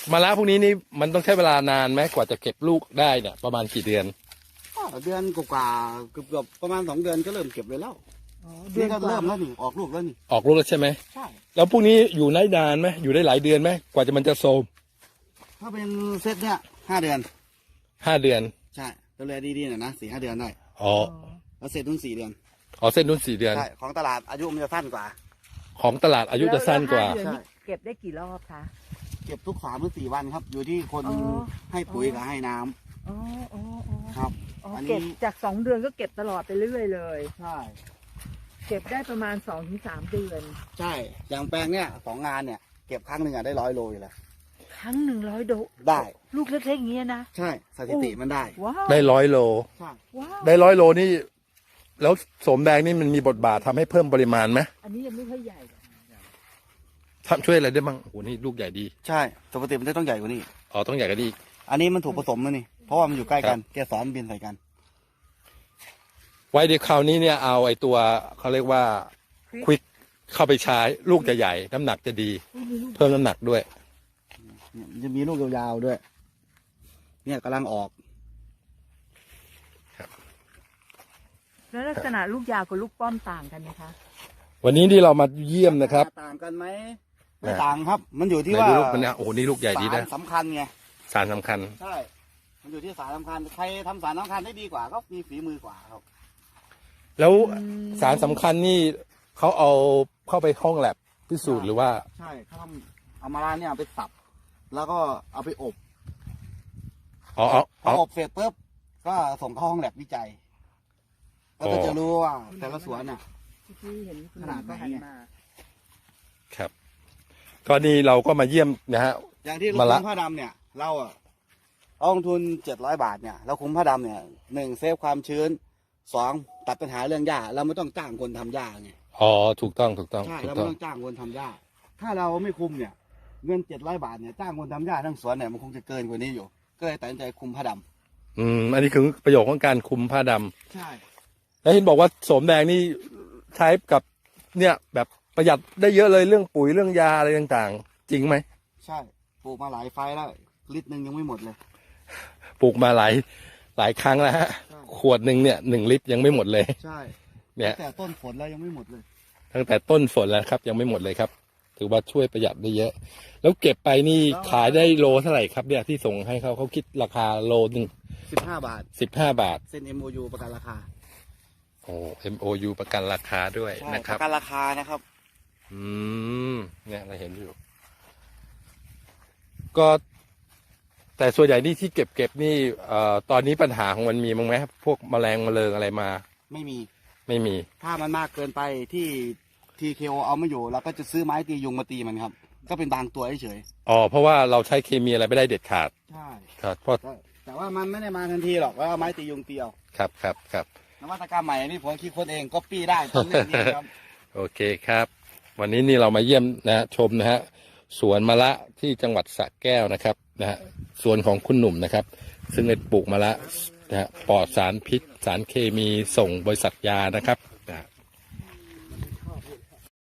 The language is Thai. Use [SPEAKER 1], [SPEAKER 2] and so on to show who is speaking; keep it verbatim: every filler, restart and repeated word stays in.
[SPEAKER 1] มะระพวกนี้นี่มันต้องใช้เวลานานไหมกว่าจะเก็บลูกได้เนี่ยประมาณกี่เดือน
[SPEAKER 2] เดือนกว่าเกือบเกือบประมาณสองเดือนก็เริ่มเก็บเลยแล้วนี่ก็เริ่มแล้วนี่ออกลูกแล้วนี่
[SPEAKER 1] ออกลูกแล้วใช่ไหม
[SPEAKER 2] ใช่
[SPEAKER 1] แล้วพวกนี้อยู่ได้นานไหมอยู่ได้หลายเดือนไหมกว่าจะมันจะโทรม
[SPEAKER 2] ถ้าเป็นเซตเนี่ยห้าเดือน
[SPEAKER 1] ห้าเดือน
[SPEAKER 2] ใช่ดูแลดีๆหน่อยนะสี่ห้าเดือนได้
[SPEAKER 1] อ๋อ
[SPEAKER 2] แล้วเซตนุ่นสี่เดือน
[SPEAKER 1] อ๋อเส้นนุ่นสี่เดือน
[SPEAKER 2] ใช่ของตลาดอายุมันจะสั้นกว่า
[SPEAKER 1] ของตลาดอายุจะสั้นกว่า
[SPEAKER 3] ใช่เก็บได้กี่รอบคะ
[SPEAKER 2] เก็บทุกสามหรือสี่วันครับอยู่ที่คนให้ปุ๋ยกับให้น้
[SPEAKER 3] ำอ๋ออ๋อ
[SPEAKER 2] ครับ
[SPEAKER 3] เก็บจากสองเดือนก็เก็บตลอดไปเรื่อยเลย
[SPEAKER 2] ใช่
[SPEAKER 3] เก็บได้ประมาณสองถึงสามเดือน
[SPEAKER 2] ใช่อย่างแปลงเนี่ยสองงานเนี่ยเก็บครั้งหนึ่งอะได้ร้อยโลอยู่แล้ว
[SPEAKER 3] ครั้งหนึ่งร้อยโล
[SPEAKER 2] ได้
[SPEAKER 3] ลูกเล็กๆอย่างเงี้ยนะ
[SPEAKER 2] ใช่สถิติมันได้
[SPEAKER 1] ได้ร้อยโล
[SPEAKER 2] ใช่
[SPEAKER 1] ได้ร้อยโลนี่แล้วโสมแดงนี่มันมีบทบาททำให้เพิ่มปริมาณไหม
[SPEAKER 3] อันนี้ยังไม่ค่อยใหญ่
[SPEAKER 1] ทำช่วยอะไรได้บ้างโอ้โหนี่ลูกใหญ่ดี
[SPEAKER 2] ใช่ปกติมันต้องใหญ่กว่านี้
[SPEAKER 1] อ๋อต้องใหญ่กว่านี้
[SPEAKER 2] อันนี้มันถูกผสมแล้วนี่เพราะว่ามันอยู่ใกล้กันแกสอนบินใส่กัน
[SPEAKER 1] ไว้เดี๋ยวคราวนี้เนี่ยเอาไอ้ตัวเขาเรียกว่าควิกเข้าไปใช้ลูกจะใหญ่น้ำหนักจะดีเพิ่มน้ำหนักด้วย
[SPEAKER 2] จะมีลูกยาวๆด้วยเนี่ยกำลังออก
[SPEAKER 3] แล้วลักษณะลูกยาวกับลูกป้อมต่างกันไหมคะ
[SPEAKER 1] วันนี้ที่เรามาเยี่ยมนะครับ
[SPEAKER 2] ต่างกันไหมไม่ต่างครับมันอยู่ที่ว่า
[SPEAKER 1] ลูกมันเนี่ยโอ้โหนี่ลูกใหญ่ดีนะ
[SPEAKER 2] สารสำคัญไง
[SPEAKER 1] สารสำคัญ
[SPEAKER 2] ใช่มันอยู่ที่สารสำคัญใครทำสารสำคัญได้ดีกว่าก็มีฝีมือกว่าครับ
[SPEAKER 1] แล้วสารสำคัญนี่เขาเอาเข้าไปห้องแลบพิสูจน์หรือว่า
[SPEAKER 2] ใช่เขาทำเอามาลาเนี่ยไปสับแล้วก็เอาไปอบ
[SPEAKER 1] อ๋อ
[SPEAKER 2] พออบเสร็จปุ๊บก็ส่งเข้าห้องแลบวิจัยก็จะรู้ว่าแต่ละสวนน่ะขนาดไหน
[SPEAKER 1] ครับก็นี่เราก็มาเยี่ยมนะฮะ
[SPEAKER 2] อย่างที่เราคุ้มผ้าดำเนี่ยเราอ่ะเอาลงทุนเจ็ดร้อยบาทเนี่ยเราคุ้มผ้าดำเนี่ยหนึ่งเซฟความชื้นสองตัดปัญหาเรื่องหญ้าเราไม่ต้องจ้างคนทำหญ้าไง
[SPEAKER 1] อ๋อถูกต้องถูกต้อง
[SPEAKER 2] ใช่เราไม่ต้องจ้างคนทำหญ้าถ้าเราไม่คุมเนี่ยเงินเจ็ดร้อยบาทเนี่ยจ้างคนทำหญ้าทั้งสวนเนี่ยมันคงจะเกินกว่านี้อยู่ก็เลยตัดสินใจคุมผ้าด
[SPEAKER 1] ำอืมอันนี้คือประโยชน์ของการคุมผ้าดำ
[SPEAKER 2] ใช่
[SPEAKER 1] แล้วเห็นบอกว่าโสมแดงนี่ใช้กับเนี่ยแบบประหยัดได้เยอะเลยเรื่องปุ๋ยเรื่องยาอะไรต่างๆจริงไหม
[SPEAKER 2] ใช่ปลูกมาหลายไฟแล้วลิตรหนึ่งยังไม่หมดเลย
[SPEAKER 1] ปลูกมาหลายหลายครั้งแล้วฮะขวดหนึ่งเนี่ยหนึ่งลิตรยังไม่หมดเลย
[SPEAKER 2] ใช่
[SPEAKER 1] เนี่ย
[SPEAKER 2] ตั้งแต่ต้นฝนแล้วยังไม่หมดเลย
[SPEAKER 1] ตั้งแต่ต้นฝนแล้วครับยังไม่หมดเลยครับถือว่าช่วยประหยัดได้เยอะแล้วเก็บไปนี่ขายได้โลเท่าไหร่ครับเนี่ยที่ส่งให้เขาเขาคิดราคาโลหนึ่ง
[SPEAKER 2] สิบห้าบาท
[SPEAKER 1] สิบห้าบาท
[SPEAKER 2] เซ็น เอ็ม โอ ยู ประกันราคา
[SPEAKER 1] โอ้ เอ็ม โอ ยู ประกันราคาด้วยนะครับ
[SPEAKER 2] ประกันราคานะครับ
[SPEAKER 1] อืมเนี่ยเราเห็นอยู่ก็แต่ส่วนใหญ่นี่ที่เก็บเก็บนี่เอ่อตอนนี้ปัญหาของมันมีมั้งไหมพวกแมลงแมลงอะไรมา
[SPEAKER 2] ไม่มี
[SPEAKER 1] ไม่มี
[SPEAKER 2] ถ้ามันมากเกินไปที่ทีเคโอเอาไม่อยู่เราก็จะซื้อไม้ตียุงมาตีมันครับก็เป็นบางตัวเฉย
[SPEAKER 1] อ๋อเพราะว่าเราใช้เคมีอะไรไม่ได้เด็ดขาด
[SPEAKER 2] ใช่
[SPEAKER 1] ครับเพราะ
[SPEAKER 2] แต่ว่ามันไม่ได้มาทันทีหรอกว่าไม้ตียุงตีเอา
[SPEAKER 1] ครับครับครับ
[SPEAKER 2] นวัตกรรมใหม่นี่ผมคิดคนเองก็ปี้ได้ตอนนี้ครับ
[SPEAKER 1] โอเคครับวันนี้นี่เรามาเยี่ยมนะชมนะฮะสวนมะละที่จังหวัดสระแก้วนะครับนะฮะสวนของคุณหนุ่มนะครับซึ่งได้ปลูกมะละนะฮะปลอดสารพิษสารเคมีส่งบริษัทยานะครับ